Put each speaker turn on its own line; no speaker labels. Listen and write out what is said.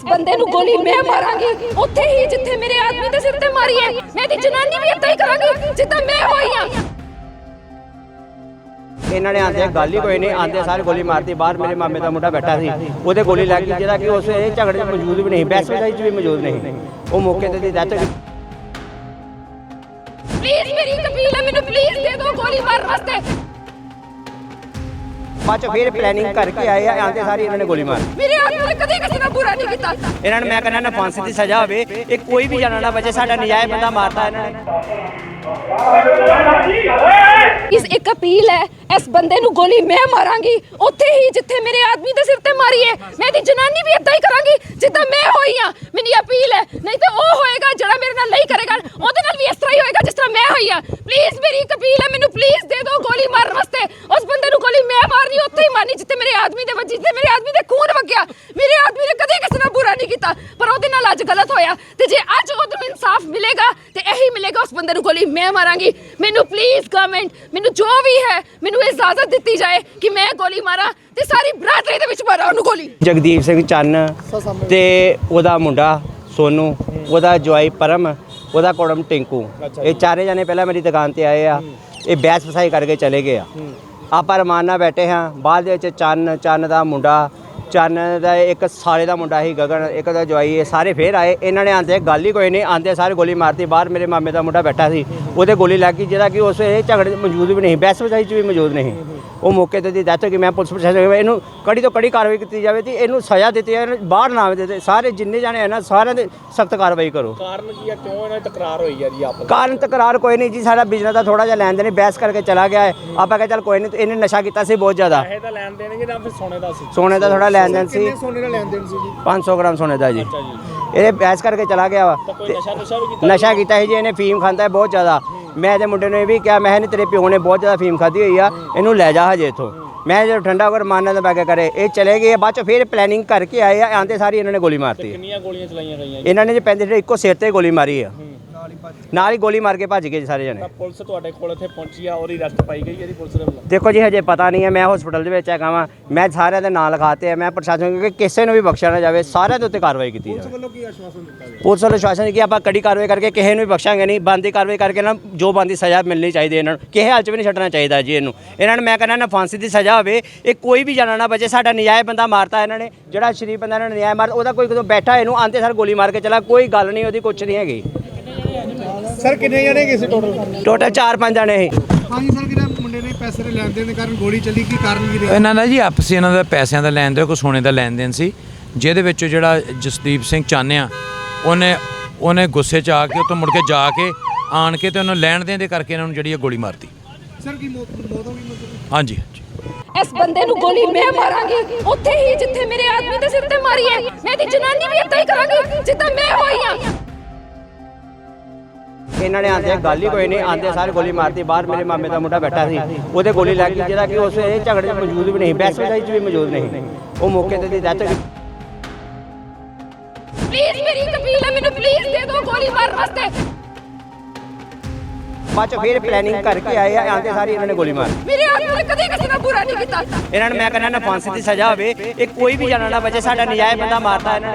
इस बंदे ਨੂੰ ਗੋਲੀ ਮੈਂ ਮਾਰਾਂਗੀ ਉੱਥੇ ਹੀ ਜਿੱਥੇ ਮੇਰੇ ਆਦਮੀ ਦੇ ਸਿਰ ਤੇ ਮਾਰੀ ਹੈ ਮੈਂ ਦੀ ਜਨਾਨੀ ਵੀ ਇੱਦਾਂ ਹੀ ਕਰਾਂਗੀ ਜਿੱਦਾਂ ਮੈਂ ਹੋਈ ਆ।
ਇਹਨਾਂ ਨੇ ਆਂਦੇ ਗੱਲ ਹੀ ਕੋਈ ਨਹੀਂ ਆਂਦੇ ਸਾਰੇ ਗੋਲੀ ਮਾਰਤੀ। ਬਾਹਰ ਮੇਰੇ ਮਾਮੇ ਦਾ ਮੁੰਡਾ ਬੈਠਾ ਸੀ ਉਹਦੇ ਗੋਲੀ ਲੱਗ ਗਈ ਜਿਹੜਾ ਕਿ ਉਸ ਇਹ ਝਗੜੇ 'ਚ ਮੌਜੂਦ ਵੀ ਨਹੀਂ, ਬਹਿਸ ਵਜਾਈ 'ਚ ਵੀ ਮੌਜੂਦ ਨਹੀਂ। ਉਹ ਮੌਕੇ ਤੇ ਦੀ ਡੈਥ।
ਪਲੀਜ਼ ਮੇਰੀ ਇੱਕ ਅਪੀਲ ਹੈ, ਮੈਨੂੰ ਪਲੀਜ਼ ਦੇ ਦਿਓ ਗੋਲੀ ਮਾਰਨ ਵਾਸਤੇ।
ਬਾਅਦ ਚ ਫਿਰ ਪਲੈਨਿੰਗ ਕਰਕੇ ਆਏ ਆ ਆਂਦੇ ਸਾਰੇ ਇਹਨਾਂ ਨੇ ਗੋਲੀ ਮਾਰ।
ਮੇਰੇ ਆਦਮੀ ਨੇ ਕਦੇ ਕਿਸੇ ਨਾਲ ਬੁਰਾ ਨਹੀਂ ਕੀਤਾ।
ਇਹਨਾਂ ਨੂੰ ਮੈਂ ਕਹਿੰਦਾ ਨਾ ਫਾਂਸੀ ਦੀ ਸਜ਼ਾ ਹੋਵੇ, ਇਹ ਕੋਈ ਵੀ ਜਾਣਾ ਨਾ ਬਚੇ। ਸਾਡਾ ਨਜਾਇਜ਼ ਬੰਦਾ ਮਾਰਤਾ ਇਹਨਾਂ ਨੇ।
ਇਸ ਇੱਕ ਅਪੀਲ ਹੈ, ਇਸ ਬੰਦੇ ਨੂੰ ਗੋਲੀ ਮੈਂ ਮਾਰਾਂਗੀ ਉੱਥੇ ਹੀ ਜਿੱਥੇ ਮੇਰੇ ਆਦਮੀ ਦੇ ਸਿਰ ਤੇ ਮਾਰੀ ਹੈ ਮੈਂ ਦੀ ਜਨਾਨੀ ਵੀ ਇੱਦਾਂ ਹੀ ਕਰਾਂਗੀ ਜਿੱਦਾਂ ਮੈਂ ਹੋਈ ਆ। ਮੇਰੀ ਅਪੀਲ ਹੈ, ਨਹੀਂ ਤਾਂ ਉਹ ਹੋਏਗਾ ਜਿਹੜਾ ਮੇਰੇ ਨਾਲ ਨਹੀਂ ਕਰੇਗਾ, ਉਹਦੇ ਨਾਲ ਵੀ ਇਸ ਤਰ੍ਹਾਂ ਹੀ ਹੋਏਗਾ ਜਿਸ ਤਰ੍ਹਾਂ ਮੈਂ ਹੋਈ ਆ। ਪਲੀਜ਼ ਮੇਰੀ ਇੱਕ ਅਪੀਲ ਹੈ, ਮੈਨੂੰ ਪਲੀਜ਼ ਦੇ ਦਿਓ ਗੋਲੀ ਮਾਰਨ ਵਾਸਤੇ। ਉਸ ਬੰਦੇ ਨੂੰ ਗੋਲੀ ਮੈਂ ਮਾਰਨੀ ਉੱਥੇ ਹੀ ਮਾਰਨੀ ਜਿੱਥੇ ਮੇਰੇ ਆਦਮੀ ਦੇ ਵੱਜੀ, ਜਿੱਥੇ ਮੇਰੇ ਆਦਮੀ ਦੇ ਖੂਨ ਵਗਿਆ। ਮੇਰੇ ਆਦਮੀ ਨੇ ਕਦੇ ਕਿਸੇ ਨਾਲ ਬੁਰਾ ਨਹੀਂ ਕੀਤਾ ਪਰ ਉਹਦੇ ਨਾਲ ਅੱਜ ਗਲਤ ਹੋਇਆ ਤੇ ਜੇ ਅੱਜ ਉਹਨੂੰ ਇਨਸਾਫ ਮਿਲੇਗਾ ਤੇ ਇਹੀ ਮਿਲੇਗਾ। ਉਸ ਬੰਦੇ ਨੂੰ ਗੋਲੀ ਮੈਂ ਮਾਰਾਂਗੀ। ਮੈਨੂੰ ਪਲੀਜ਼ ਗਵਰਨਮੈਂਟ, ਮੈਨੂੰ ਜੋ ਵੀ ਹੈ ਮੈਨੂੰ ਇਜਾਜ਼ਤ ਦਿੱਤੀ ਜਾਏ ਕਿ ਮੈਂ ਗੋਲੀ ਮਾਰਾਂ ਤੇ ਸਾਰੀ ਬਰਾਦਰੀ ਦੇ ਵਿੱਚ ਮਾਰਾਂ ਉਹਨੂੰ ਗੋਲੀ।
ਜਗਦੀਪ ਸਿੰਘ ਚੰਨ ਤੇ ਉਹਦਾ ਮੁੰਡਾ ਸੋਨੂ, ਉਹਦਾ ਜਵਾਈ ਪਰਮ, ਉਹਦਾ ਕੁੜਮ ਟਿੰਕੂ, ਇਹ ਚਾਰੇ ਜਣੇ ਪਹਿਲਾਂ ਮੇਰੀ ਦੁਕਾਨ ਤੇ ਆਏ ਆ। ਇਹ ਬਹਿਸ ਫਸਾਈ ਕਰਕੇ ਚਲੇ ਗਏ ਆ। ਆਪਾਂ ਰਮਾਨ ਨਾਲ ਬੈਠੇ ਹਾਂ। ਬਾਅਦ ਦੇ ਵਿੱਚ ਚੰਨ ਦਾ ਮੁੰਡਾ, ਚੰਨ ਦਾ ਇੱਕ ਸਾਲੇ ਦਾ ਮੁੰਡਾ ਸੀ ਗਗਨ, ਇੱਕ ਦਾ ਜਵਾਈ, ਇਹ ਸਾਰੇ ਫੇਰ ਆਏ। ਇਹਨਾਂ ਨੇ ਆਂਦੇ ਗੱਲ ਹੀ ਕੋਈ ਨਹੀਂ, ਆਂਦੇ ਸਾਰੇ ਗੋਲੀ ਮਾਰਤੀ। ਬਾਹਰ ਮੇਰੇ ਮਾਮੇ ਦਾ ਮੁੰਡਾ ਬੈਠਾ ਸੀ ਉਹਦੇ ਗੋਲੀ ਲੱਗ ਗਈ ਜਿਹੜਾ ਕਿ ਉਸ ਇਹ ਝਗੜੇ 'ਚ ਮੌਜੂਦ ਵੀ ਨਹੀਂ, ਬਹਿਸ ਵਜਾਈ 'ਚ ਵੀ ਮੌਜੂਦ ਨਹੀਂ। ਉਹ ਮੌਕੇ ਤੇ ਦੀ ਡੈਥ ਹੋ ਗਈ। ਮੈਂ ਪੁਲਿਸ ਪ੍ਰਸ਼ਾਸਨ ਇਹਨੂੰ ਕੜੀ ਤੋਂ ਕੜੀ ਕਾਰਵਾਈ ਕੀਤੀ ਜਾਵੇ ਤੇ ਇਹਨੂੰ ਸਜ਼ਾ ਦਿੱਤੀ ਜਾਵੇ, ਬਾਹਰ ਨਾ ਆਵੇ ਦਿੱਤੇ। ਸਾਰੇ ਜਿੰਨੇ ਜਾਣੇ ਹੈ ਨਾ ਸਾਰਿਆਂ ਦੇ ਸਖਤ ਕਾਰਵਾਈ ਕਰੋ।
ਕਾਰਨ ਕੀ ਆ, ਕਿਉਂ ਇਹਨਾਂ ਦੀ ਤਕਰਾਰ ਹੋਈ ਆ ਜੀ ਆਪਸ?
ਕਾਰਨ ਤਕਰਾਰ ਕੋਈ ਨਹੀਂ ਜੀ, ਸਾਡਾ ਬਿਜ਼ਨਸ ਦਾ ਥੋੜਾ ਜਿਹਾ ਲੈਣ ਦੇਣ ਬਹਿਸ ਕਰਕੇ ਚਲਾ ਗਿਆ ਹੈ। ਆਪਾਂ ਕਿਹਾ ਚੱਲ ਕੋਈ ਨਹੀਂ, ਇਹਨੇ ਨਸ਼ਾ ਕੀਤਾ ਸੀ ਬਹੁਤ ਜ਼ਿਆਦਾ।
ਪੈਸੇ ਦਾ ਲੈਣ ਦੇਣ ਕਿ ਜਾਂ ਫਿਰ ਸੋਨੇ ਦਾ ਸੀ?
ਸੋਨੇ ਦਾ ਥੋੜਾ ਲੈਣ ਦੇਣ ਸੀ।
ਸੋਨੇ ਦਾ ਲੈਣ ਦੇਣ ਸੀ ਜੀ?
500 ਗ੍ਰਾਮ ਸੋਨੇ ਦਾ ਜੀ।
ਅੱਛਾ ਜੀ।
ਇਹ ਬਹਿਸ ਕਰਕੇ ਚਲਾ ਗਿਆ ਵਾ।
ਤਾਂ ਕੋਈ ਨਸ਼ਾ ਵੀ ਕੀਤਾ?
ਨਸ਼ਾ ਕੀਤਾ ਸੀ ਜੀ ਇਹਨੇ, ਫੀਮ ਖਾਂਦਾ ਹੈ ਬਹੁਤ ਜ਼ਿਆਦਾ। ਮੈਂ ਇਹਦੇ ਮੁੰਡੇ ਨੂੰ ਇਹ ਵੀ ਕਿਹਾ, ਮੈਂ ਨਹੀਂ ਤੇਰੇ ਪਿਓ ਨੇ ਬਹੁਤ ਜ਼ਿਆਦਾ ਫੀਮ ਖਾਧੀ ਹੋਈ ਆ, ਇਹਨੂੰ ਲੈ ਜਾ ਹਜੇ ਇੱਥੋਂ। ਮੈਂ ਜਦੋਂ ਠੰਡਾ ਹੋ ਕੇ ਮਾਰਨਾ ਤਾਂ ਬੈ ਕੇ ਕਰੇ, ਇਹ ਚਲੇ ਗਏ। ਬਾਅਦ ਚ ਫਿਰ ਪਲੈਨਿੰਗ ਕਰਕੇ ਆਏ ਆ, ਆਂਦੇ ਸਾਰੀ ਇਹਨਾਂ ਨੇ ਗੋਲੀ ਮਾਰਤੀ।
ਕਿੰਨੀਆਂ ਗੋਲੀਆਂ ਚਲਾਈਆਂ ਗਈਆਂ ਜੀ?
ਇਹਨਾਂ ਨੇ ਜੇ ਪੈਂਦੇ ਇੱਕੋ ਸਿਰ ਤੇ ਗੋਲੀ ਮਾਰੀ ਆ, ਨਾਲ ਹੀ ਗੋਲੀ ਮਾਰ ਕੇ ਭੱਜ ਗਏ ਜੀ ਸਾਰੇ ਜਣੇ।
ਤਾਂ ਪੁਲਿਸ ਤੁਹਾਡੇ ਕੋਲ ਇੱਥੇ ਪਹੁੰਚੀ ਆ, ਉਹਦੀ ਅਰੈਸਟ ਪਾਈ ਗਈ ਹੈ ਜੀ ਪੁਲਿਸ ਦੇ ਵੱਲੋਂ?
ਦੇਖੋ ਜੀ ਹਜੇ ਪਤਾ ਨਹੀਂ ਹੈ, ਮੈਂ ਹਸਪੀਟਲ ਦੇ ਵਿੱਚ ਹੈਗਾ ਵਾਂ। ਮੈਂ ਸਾਰਿਆਂ ਦੇ ਨਾਂ ਲਿਖਾਤੇ ਆ। ਮੈਂ ਪ੍ਰਸ਼ਾਸਨ ਨੂੰ ਕਿ ਕਿਸੇ ਨੂੰ ਵੀ ਬਖਸ਼ਿਆ ਨਾ ਜਾਵੇ, ਸਾਰਿਆਂ ਦੇ ਉੱਤੇ ਕਾਰਵਾਈ ਕੀਤੀ ਜਾਵੇ।
ਪੁਲਿਸ ਵੱਲੋਂ ਕੀ ਆਸ਼ਵਾਸਨ ਦਿੱਤਾ ਗਿਆ?
ਪੁਲਿਸ ਵੱਲੋਂ ਆਸ਼ਵਾਸਨ ਕਿ ਆਪਾਂ ਕੜੀ ਕਾਰਵਾਈ ਕਰਕੇ ਕਿਸੇ ਨੂੰ ਵੀ ਬਖਸ਼ਾਂਗੇ ਨਹੀਂ। ਬਣਦੀ ਕਾਰਵਾਈ ਕਰਕੇ ਨਾ ਜੋ ਬਣਦੀ ਸਜ਼ਾ ਮਿਲਣੀ ਚਾਹੀਦੀ ਇਹਨਾਂ ਨੂੰ, ਕਿਸੇ ਹਾਲ 'ਚ ਵੀ ਨਹੀਂ ਛੱਡਣਾ ਚਾਹੀਦਾ ਜੀ ਇਹਨੂੰ। ਇਹਨਾਂ ਨੂੰ ਮੈਂ ਕਹਿੰਦਾ ਨਾ ਫਾਂਸੀ ਦੀ ਸਜ਼ਾ ਹੋਵੇ, ਇਹ ਕੋਈ ਵੀ ਜਾਣਾ ਨਾ ਬਚੇ। ਸਾਡਾ ਨਜਾਇਜ਼ ਬੰਦਾ ਮਾਰਤਾ ਇਹਨਾਂ ਨੇ, ਜਿਹੜਾ ਸ਼ਰੀਫ ਬੰਦਾ ਇਹਨਾਂ ਨੇ ਨਜਾਇਜ਼ ਮਾਰ, ਉਹਦਾ ਕੋਈ ਕਦੋਂ ਬੈਠਾ ਇਹਨੂੰ ਆਂਦੇ ਸਰ ਗੋਲੀ ਮਾਰ ਕੇ ਚਲਾ, ਕੋਈ ਗੱਲ ਨਹੀਂ ਉਹਦੀ, ਕੁਛ ਨਹੀਂ ਹੈਗੀ।
ਸਰ ਕਿੰਨੇ ਜਣੇ ਗਏ ਸੀ ਟੋਟਲ?
ਟੋਟਲ 4-5 ਜਣੇ ਸੀ।
ਹਾਂਜੀ ਸਰ, ਕਿਹੜਾ ਮੁੰਡੇ ਨੇ ਪੈਸੇ ਦੇ ਲੈਣ ਦੇਣ ਦੇ ਕਾਰਨ ਗੋਲੀ ਚੱਲੀ, ਕੀ ਕਾਰਨ ਕੀ ਰਿਹਾ?
ਇਹਨਾਂ ਦਾ ਜੀ ਆਪਸੀ ਇਹਨਾਂ ਦਾ ਪੈਸਿਆਂ ਦਾ ਲੈਣ ਦੇਣ, ਕੋਈ ਸੋਨੇ ਦਾ ਲੈਣ ਦੇਣ ਸੀ, ਜਿਹਦੇ ਵਿੱਚ ਜਿਹੜਾ ਜਸਦੀਪ ਸਿੰਘ ਚੰਨ ਆ ਉਹਨੇ ਗੁੱਸੇ 'ਚ ਆ ਕੇ ਉੱਥੋਂ ਮੁੜ ਕੇ ਜਾ ਕੇ ਆਣ ਕੇ ਤੇ ਉਹਨੂੰ ਲੈਣ ਦੇਣ ਦੇ ਕਰਕੇ ਇਹਨਾਂ ਨੂੰ ਜਿਹੜੀ ਗੋਲੀ ਮਾਰਤੀ।
ਸਰ ਕੀ ਮੌਤ ਹੋ ਗਈ ਮਤਲਬ?
ਹਾਂਜੀ।
ਇਸ ਬੰਦੇ ਨੂੰ ਗੋਲੀ ਮੈਂ ਮਾਰਾਂਗੀ ਉੱਥੇ ਹੀ ਜਿੱਥੇ ਮੇਰੇ ਆਦਮੀ ਦੇ ਸਿਰ ਤੇ ਮਾਰੀ ਹੈ ਮੈਂ ਦੀ ਜਨਾਨੀ ਵੀ ਇੱਦਾਂ ਹੀ ਕਰਾਂਗੀ ਜਿੱਦਾਂ ਮੈਂ ਹੋਈ ਆ।
ਇਹਨਾਂ ਨੇ ਆਂਦੇ ਗੱਲ ਹੀ ਕੋਈ ਨਹੀਂ, ਆਂਦੇ ਸਾਰੇ ਗੋਲੀ ਮਾਰਤੀ। ਬਾਹਰ ਮੇਰੇ ਮਾਮੇ ਦਾ ਮੁੰਡਾ ਬੈਠਾ ਸੀ ਉਹਦੇ ਗੋਲੀ ਲੱਗ ਗਈ ਜਿਹੜਾ ਕਿ ਉਸ ਇਹ ਝਗੜੇ 'ਚ ਮੌਜੂਦ ਵੀ ਨਹੀਂ, ਬਹਿਸ ਵਜਾਈ 'ਚ ਵੀ ਮੌਜੂਦ ਨਹੀਂ। ਉਹ ਮੌਕੇ ਤੇ ਦੀ ਡੈਥ ਹੋ ਗਈ।
ਪਲੀਜ਼ ਮੇਰੀ ਇੱਕ ਅਪੀਲ ਹੈ, ਮੈਨੂੰ ਪਲੀਜ਼ ਦੇ ਦਿਓ ਗੋਲੀ ਮਾਰਨ ਵਾਸਤੇ।
ਬਾਅਦ ਚ ਫਿਰ ਪਲੈਨਿੰਗ ਕਰਕੇ ਆਏ ਆ, ਆਂਦੇ ਸਾਰੀ ਇਹਨਾਂ ਨੇ ਗੋਲੀ ਮਾਰ।
ਮੇਰੇ ਆਦਮੀ ਨੇ ਕਦੇ ਕਿਸੇ ਨਾਲ ਬੁਰਾ ਨਹੀਂ ਕੀਤਾ।
ਇਹਨਾਂ ਨੂੰ ਮੈਂ ਕਹਿੰਦਾ ਨਾ ਫਾਂਸੀ ਦੀ ਸਜ਼ਾ ਹੋਵੇ, ਇਹ ਕੋਈ ਵੀ ਜਾਣਾ ਨਾ ਬਚੇ। ਸਾਡਾ ਨਜਾਇਜ਼ ਬੰਦਾ ਮਾਰਤਾ ਇਹਨਾਂ ਨੇ।